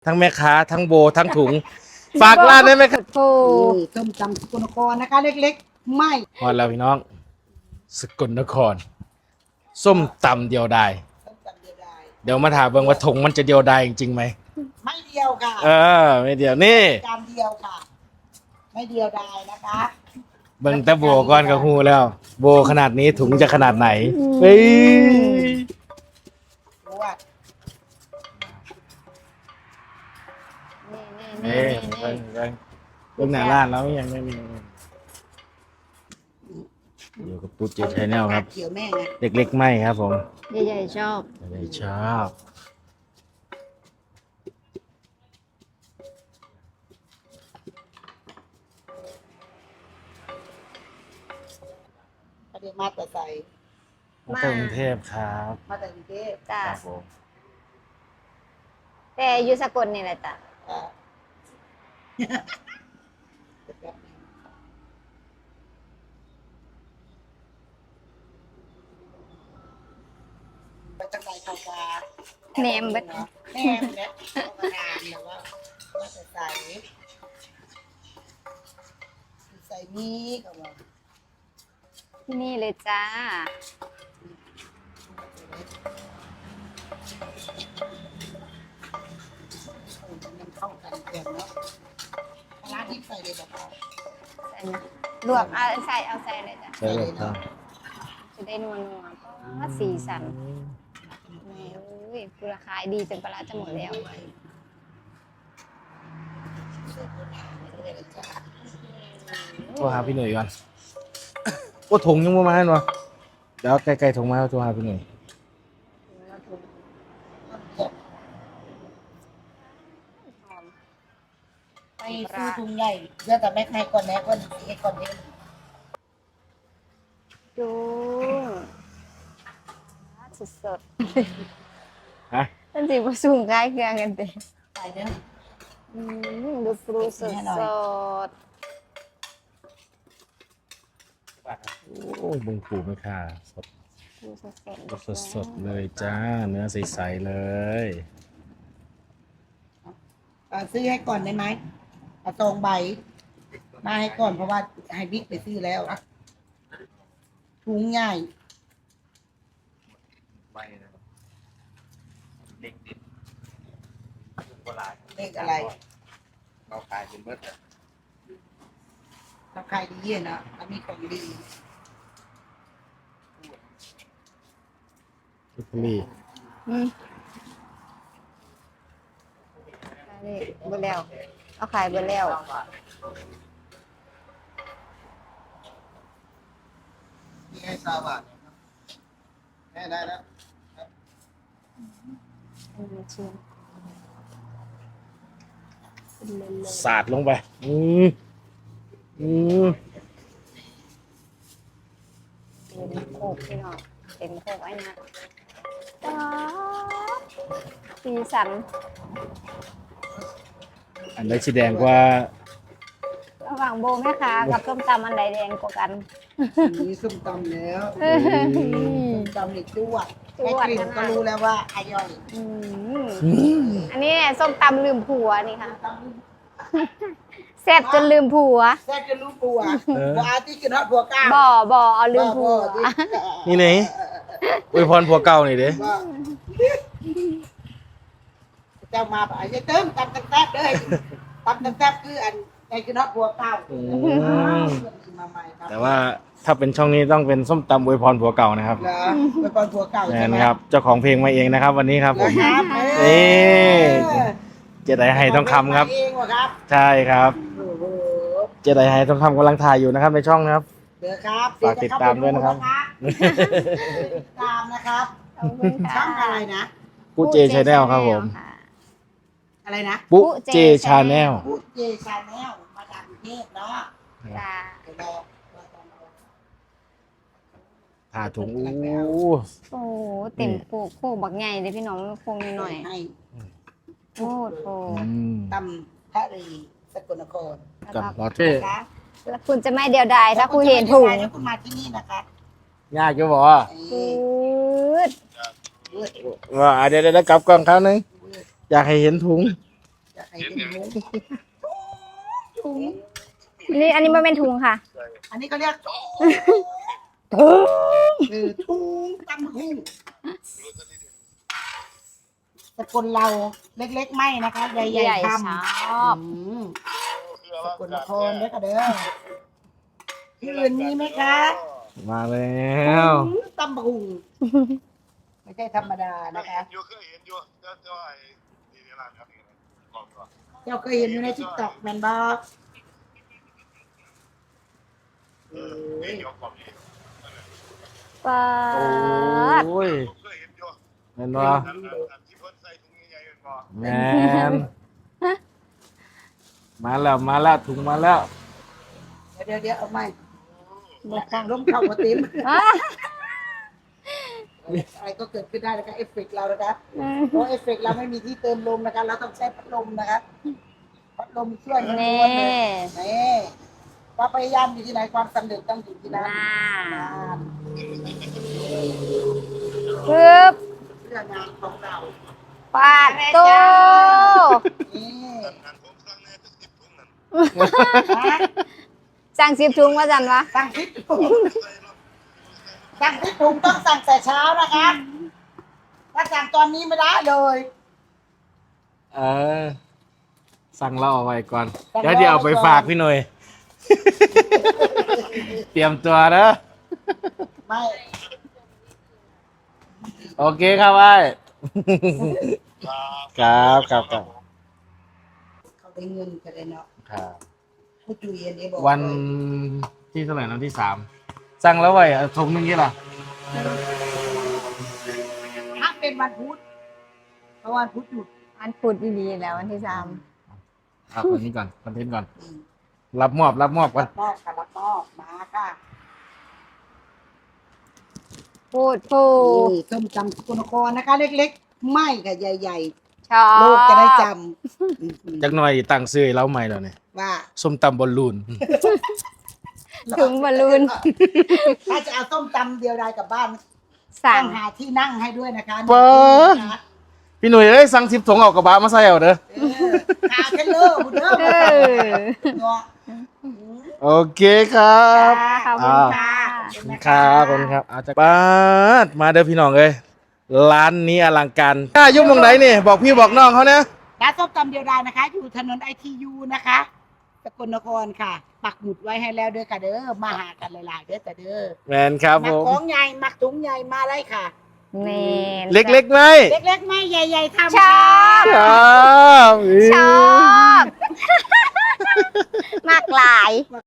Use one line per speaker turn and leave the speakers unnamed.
ทั้งแม่ค้าทั้งโบทั้งถุงฝากร้านได้ไหมครับ
โอ้
ต้มตำสกลนครนะคะเล็กๆไม่
พอแล้วพี่น้องสกลนครส้มตำเดียวดาย
ต้มตำเดียวดาย
เดี๋ยวมาถามเบิ่งว่าถุงมันจะเดียวดายจริงๆไหม
ไม่เดียวค่ะ
ไม่เดียวนี่
จานเดียวค่ะ ไม่เดียวดายนะคะ
เบิ่งแต่โบก่อนกับฮูแล้ว โบขนาดนี้ถุงจะขนาดไหนเฮ้ย
รู้ว่า
นี่เบิ่งหน้าร้านแล้วยังไม่มีอยู่กับปุ๊ดเจชแนลครับ
เขียวแม่ไง
เด็กๆไม่ครับผม
ใหญ่ๆชอบ
ไม่ชอบ
ประเดี๋ยวมาแต่ใส่
มาจากกรุงเทพครับ
มาแต่กรุงเทพ
จ้า
ครับผม
แต่อยู่สกลนี่แหละจ้ะ
อ่าไปจังไรเขากา
แหนมเบิด
แหนมเนี่ยเอามานานแล้วว่ามาแต่ใส่นี่ก็ว่า
ที่นี่เลยจ้า
มันเข้ากันเกินเนาะร้านที่ใส่เลยแบบว่า
ใส่นะลวกเอาใส่เลยจ้ะ
ใช่เลยครับ
จะได้นัวเพราะว่าสีสันแม่อุ้ยคือราคายดีจนปลาร้าจะหมดแล้ว
โทรหาพี่หนุ่ยก่อนโอ้ถุงยังไม่มาเนาะเดี๋ยวไกลๆถุงมาโทรหาพี่หนุ่ย
ไปซื้อถุงใหญ่เดี๋ยวแต่แม่ให้ก่อนแม่ก่อนให้ก่อนเอง
จุ้งสด
ฮะ
ๆนั่นสิผสมคล้ายเครื่องกันเต็
ใส่เนื้อ
ดูปรูสด
ให้หน่อย
สด
โอ้ยบึงปูไม่ค่าสด
ดูสด
สดๆเลยจ้าเนื้อใสๆเลย
ซื้อให้ก่อนได้ไหมเอาตรงใบมาให้ก่อนเพราะว่าให้บิ๊กไปซื้อแล้วถุงใหญ่
ใบเด็กดิบโบราณ
เลขอะไร
เราขายเป็นเบิร์ด
ถ้าใครดีเยี่ยนะถ้ามีของดี
ทุกนี่
อืมนี่เบดแล้วเอาขายเบดแล้ว
มีให้ซาบะแม่ได้แล้ว
ชิม
สาดลงไปอืม
เต็มโคกพี่น้องเต็มโคกไอ้นะป๊าบสีสัน
อันไหนสีแดงกว่า
ระหว่างโบแม่ค้ากับส้มตำอันใดแดงกว่ากัน
มีส้มตำแล้ว
เฮ้ย
ส้มตำนี่จวด
จวด
แค่กลิ่น
ขนาด
ก็รู้แล้วว่าอร่อย
อืมอันนี้เนี่ยส้มตำลืมผัวนี่ค่ะแซ่บจนลืมผัว
แซ่บจะรู้ปัวว่าที่กินฮอตผัวก้าว
บ่เอาลืมผัว
นี่ไหนอวยพรผัวเก่าหน่อยเด้
ว่าเจ้ามาไอ้เติมตำแซ่บเลยตำแซ่บคืออันในกินฮอตผัวก้าวมาใหม่ครับ
แต่ว่าถ้าเป็นช่องนี้ต้องเป็นส้มตำอวยพรผัวเก่านะครับ
เหรอเป็นคนผัวเก่า
แม
ใช่
น
ไหม
ครับเจ้าของเพลงมาเองนะครับ วันนี้ครับผม
ครับ
นี่ เจไดไฮทองคำครับ
เองวะครับ
ใช่ครับ
โอ้โห
เจไดไฮทองคำกำลังถ่ายอยู่นะครับในช่องนะครับ
เดี๋ยวครับ
ฝากติดตามด้วยนะครับ
ติดตามนะครับ
ขอบคุณค่ะ
ช่องอะไรนะ
ปุ๊เจชาแนลครับผม
ค่ะ
อะไรนะ
ปุ๊เจชาแนล
พูดเจชาแนลมาจากกรุงเทพเนาะ
จ้า
เดี๋ยวเรา
ผ่าถุงอู้
โอ้โหเต็มโคกบักใหญ่เลยพี่น้องโคกหน่อย
ให้
ๆโคตรโค
อืม
ตำพระรีสกลนคร
กับลอเท่
นะคะ
แล้วคุณจะไม่เดียวดายถ้าคุณเห็นถุง
แล้วคุณมาที่นี่นะคะ
ยากจะบอกว่า
ปืด
เว้ย
ว่าเดี๋ยวกลับกล้องครั้งนึงอยากให้เห็นถุง
จะให้เป็นถุงถุง
นี่อันนี้มันเป็นถุงค่ะ
อันนี้ก็เรียกถุงตำหุ่งสกลเราเล็กๆไม่นะคะใหญ่
ใหญ่
ๆท
ชอบ
ำสกลนครเด้อค่ะเด้อที่อื่นมีไหมคะ
มาแล้ว
ตำหุ่งไม่ใช่ธรรมดานะคะ
เคยเห็นอยู่เจ้าไอ้นี่ร้านครับนี่บอกก่อน
เจ้าเคยเห็นอยู่ในทิกตอกแมนบอ
นี่ยกกล่องนี้
ปาด
โอ้ย
เคยเห็นอยู่
แม่นบ่
ที่เพิ่นใส่ถุงใหญ่ๆเป็นบ่
แม่นมาแล้วถุงมาแล้ว
เดี๋ยวเอาใหม่บอกฟังร่มเข้ามาติ้ม
อ่ะ
อะไรก็เกิดขึ้นได้นะคะเอฟเฟกต์เรานะคะเพราะเอฟเฟกต์เราไม่มีที่เติมลมนะคะเราต้องใช้พัดลมนะคะพัดลมช่วยมัน
นี่
ล้วนเลยนี่ความพยายามอยู่ที่ไหนความสำเร็จต้องอยู่ที่นั่น
น่า
นั่น
ปึ๊บ
เรื่องงานของเรา
ปาดโต
นี่
นั่นผมสั่งแน่จะ10ถุงนั่น
นะ
สั่ง10ถุงว่าจันวะ
สั่งพิษถุงสั่งพิษถุงต้องสั่งแต่เช้านะคะถ้าสั่งตอนนี้ไม่ได้เลย
เออสั่งเราเอาไว้ก่อนเดี๋ยวเอาไปฝากพี่หน่อย เตรียมตัวนะ
ไม่
โอเคครับไอ้
ครับ
ครับ
เขาได้เงินกันเลยเนาะ
ครับ
ผู้จุยอันนี้บอก
วันที่เท่าไหร่นะที่3สั่งแล้วไว้ถุงนึงนี่ล่ะ
ถ้าเป็นวันพุธเพราะวันพุธหยุด
อันพุดดีๆแล้ววันที่
เอาคนนี้ก่อนคอนเทนต์ก่อน รับมอบก่อน
รับมอบค่ะรับมอบมาค่ะ
3พูดพู
นี่ส้มตำสกลนครนะคะ เล็กๆ ไม่ค่ะใหญ่
ชอ
ๆ
บ
โลกจะได้จำ
จักหน่อยตั้งซื้อให้เราใหม่แล้วนี่
ว่า
ส้มตำบอลลูน
ถุงบอลลูน
ถ้าจะเอาส้มตำเดียวดายกลับบ้าน
สั่
ต้
ง
องหาที่นั่งให้ด้วยนะคะ
เปิด
นะคะ
พี่หนุ่ยเอ้ยสั่ง10ถุงเอากระบะมาใส่เอาเด้อ
หาแค่เลิกบุญเด้อ
เออ
เนาะ
โอเคครับ
ขอบคุณค่ะ
ครับขอบคุณครับอาจจะบ้านมาเด้อพี่น้องเอ้ยร้านนี้อลังการถ้ายุ่งตรงไหนนี่บอกพี่บอกน้องเขาเนี่ย
ร้านส้มตำเดียวดายนะคะ อยู่ถนนITUนะคะสกลนครค่ะ ปักหมุดไว้ให้แล้วเด้อค่ะเด้อมาหากันหลายๆเด้อแต่เด้อ
แมนครับผ
มัก
ม
ของใหญ่มักถุงใหญ่มาเลยค่ะ
แม่น
เล็กๆไหม
เล็กๆไม่ใหญ่ๆทำ
ชอบ
ครับ
ชอบมากหลาย